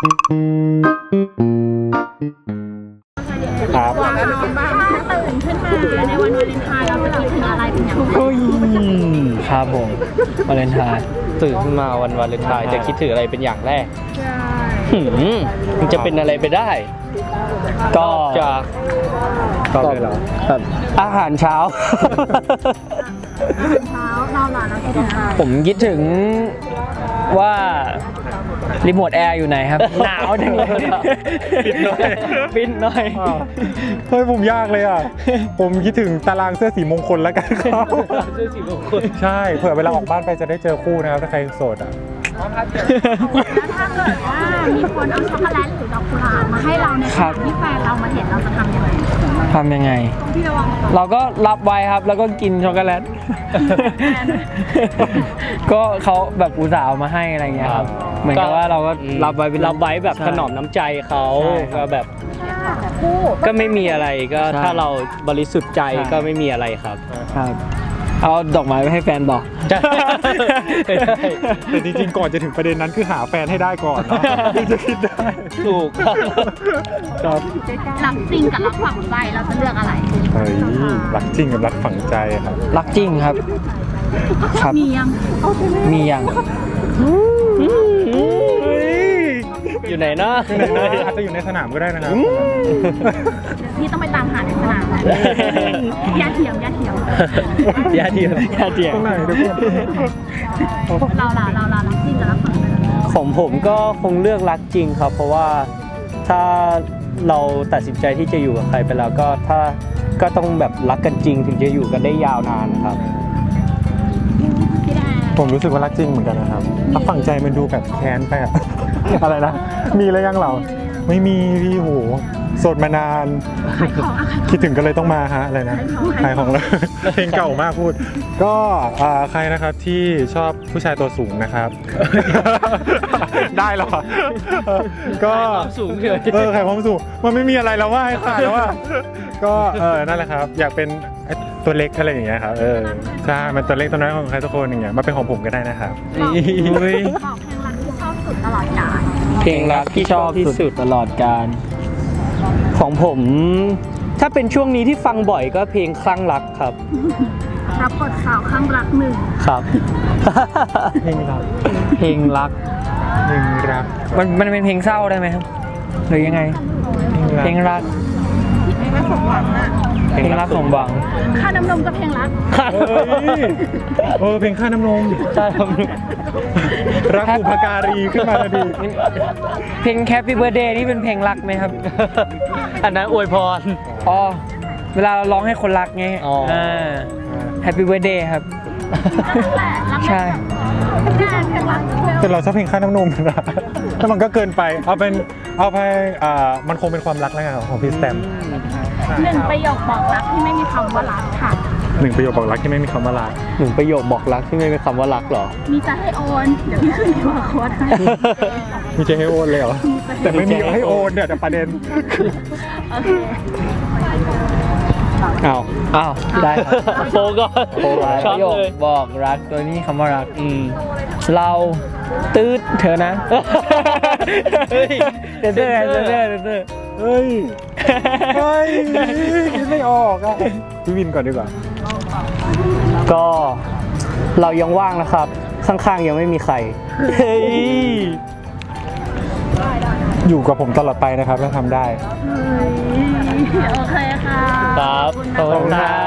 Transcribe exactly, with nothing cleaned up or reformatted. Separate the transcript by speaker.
Speaker 1: ครับ
Speaker 2: ถ้าตื่นขึ้นมาในวันวาเลนไทน์เราจะคิดถึงอะไรเป็นอย่างไร
Speaker 1: เฮ้ยครับผมวาเลนไทน์ตื่นขึ้นมาวันวาเลนไทน์จะคิดถึงอะไรเป็นอย่างแรกหืมมันจะเป็นอะไรไปได้ ก็จะก็แบบอาหารเช้า
Speaker 2: เช้าเราหลานเราคิดถึงอะไร
Speaker 1: ผมคิดถึงว่ารีโมทแอร์อยู่ไหนครับ หนาวจังเลยปิดหน่อยปิดหน่อย
Speaker 3: เฮ้ยผมยากเลยอ่ะ ผมคิดถึงตารางเสื้อสีมงคลแล้วกันครับ
Speaker 1: เสื้อสีมงคล
Speaker 3: ใช่เผื่อเวลาออกบ้านไปจะได้เจอคู่นะครับถ้าใครโสดอ่ะ
Speaker 2: แล้วถ้าเกิดว่ามีคนเอาช็อกโกแลตหรือดอกกุหลาบมาให้เราในขณะที่แฟนเรามาเห็นเราจะทำยังไง
Speaker 1: ทำยังไง
Speaker 2: พี่ระวังตัว
Speaker 1: เราก็รับไว้ครับแล้วก็กินช็อกโกแลต ก็เขาแบบอุตส่าห์เอามาให้อะไรเงี้ยครับเหมือนกับว่าเราก็รับไว้เป็นรับไว้แบบถนอมน้ำใจเขาก็แบบ
Speaker 2: คู่
Speaker 1: ก็ไม่มีอะไรก็ถ้าเราบริสุทธิ์ใจก็ไม่มีอะไรครับครับเอาดอกไม้ไปให้แฟนบอก
Speaker 3: แต่จริงๆก่อนจะถึงประเด็นนั้นคือหาแฟนให้ได้ก่อนเนาะถึงจะคิดได้
Speaker 1: ถูกครับ
Speaker 3: ครับ
Speaker 2: รักจริงกับรักฝังใจเราจะเลือกอะไร
Speaker 3: เฮ้ยรักจริงกับรักฝังใจครับ
Speaker 1: รักจริงครับครับ
Speaker 2: มียัง
Speaker 1: มีอย่างอยู่ไหนนะ
Speaker 3: อาจจะอยู่ในสนามก็ได้นะครับ
Speaker 2: พี่ต้องไปตามหาในสนามอย่าเถียงอย่าเถียง
Speaker 1: ยาเทียมยาเทียม
Speaker 3: ตรงไหนทุกคน
Speaker 2: เราล่ะเราล่ะรักจริงกับรักฝังใจ
Speaker 1: ของผมก็คงเลือกรักจริงครับ เพราะว่าถ้าเราตัดสินใจที่จะอยู่กับใครไปแล้วก็ถ้าก็ต้องแบบรักกันจริงถึงจะอยู่กันได้ยาวนานครับ
Speaker 2: พี่แดง
Speaker 3: ผมรู้สึกว่ารักจริงเหมือนกันนะครับรักฝังใจมันดูแบบแค้นไปอะ อะไรนะ มีแล้วยังเรา ไม่มีพี่โหโสดมานาน
Speaker 2: ขายของอะ
Speaker 3: คิดถึงก็เลยต้องมาฮะอะไรนะ
Speaker 2: ขายของ
Speaker 3: ขายของเลย เพลงเก่ามากพูด ก็อ่าใครนะครับที่ชอบผู้ชายตัวสูงนะครับ ได้หรอก็
Speaker 1: ความสูงเลย
Speaker 3: เออขายความสูงมันไม่มีอะไรแล้วว่าให้ขายแล้วว่าก็เออนั่นแหละครับ อยากเป็นตัวเล็กอะไรอย่างเงี้ยครับเออใช่มันตัวเล็กตัวน้อยของใครทุกคนอย่างเงี้ยมาเป็นของผมก็ได้นะครับ
Speaker 2: บอกเพลงรักที่ชอบสุดตลอดกาล
Speaker 1: เพลงรักที่ชอบที่สุดตลอดกาลของผม ถ้าเป็นช่วงนี้ที่ฟังบ่อยก็เพลงคลั่งรักครับ
Speaker 2: รับบทสาวข้างรักหนึ่ง
Speaker 1: ครับ
Speaker 3: เพลงรัก
Speaker 1: เพลงรัก
Speaker 3: เพลงรัก
Speaker 1: มันมันเป็นเพลงเศร้าได้ไหมครับหรือยังไง เพลงรัก
Speaker 2: เพลงรักสมหวังอะ
Speaker 1: เพลงรักของหวัง
Speaker 2: ค่าน้ำนมก็เพลงรัก
Speaker 3: เฮ้ยเออเพลงค่าน้ำนม
Speaker 1: ใช่ครับ
Speaker 3: รักอุปการีขึ้นมาทันที
Speaker 1: เพลง Happy Birthday นี่เป็นเพลงรักไหมครับ อันนั้นอวยพร อ๋อ เวลาเราร้องให้คนรักไงอ่า Happy Birthday ครับ ใช่
Speaker 2: เพลงรัก
Speaker 3: แต่เราชอบเพลงค่าน้ำนมนะแล้วมันก็เกินไป เอาเป็น เอาไปอ่ามันคงเป็นความรักแล้วกันของพี่สแตม
Speaker 2: หนึ่งประโยคบอกรักที่ไม่มีคำว่ารักค่ะ
Speaker 3: หนึ่งประโยคบอกรักที่ไม่มีคำว่ารัก
Speaker 1: หนึ่งประโยคบอกรักที่ไม่เป็นคำว่ารักหรอ
Speaker 2: มีจะให้โอนเดี๋ยวพี่ขึ้นคิวอาร์โค้ดให้
Speaker 3: มีจะให้โอนเลยเหรอ แต่ไม่มีให้โอนเนี่ยแต่ประเด็น
Speaker 2: โอเค
Speaker 1: อ้าว อ้าว ได้ครับโฟก็
Speaker 4: โปรไว้
Speaker 1: ช
Speaker 4: ป
Speaker 1: อบ
Speaker 4: ระโยค
Speaker 1: เลย
Speaker 4: บอกรักตัวนี้คำว่ารัก
Speaker 1: อืม
Speaker 4: เราตืดเธอนะ
Speaker 1: เฮ้ย
Speaker 4: เซนเซอร์เซนเซอร์เซนเซอร์
Speaker 3: เฮ้ย เฮ้ยคิดไม่ออกอ่ะพี่วินก่อนดีกว่า
Speaker 1: ก็เรายังว่างนะครับ ข้างๆยังไม่มีใคร เฮ้ย
Speaker 3: อยู่กับผมตลอดไปนะครับถ้าทำได้
Speaker 2: โอเคค่ะ
Speaker 1: ครับ ขอบคุณครับ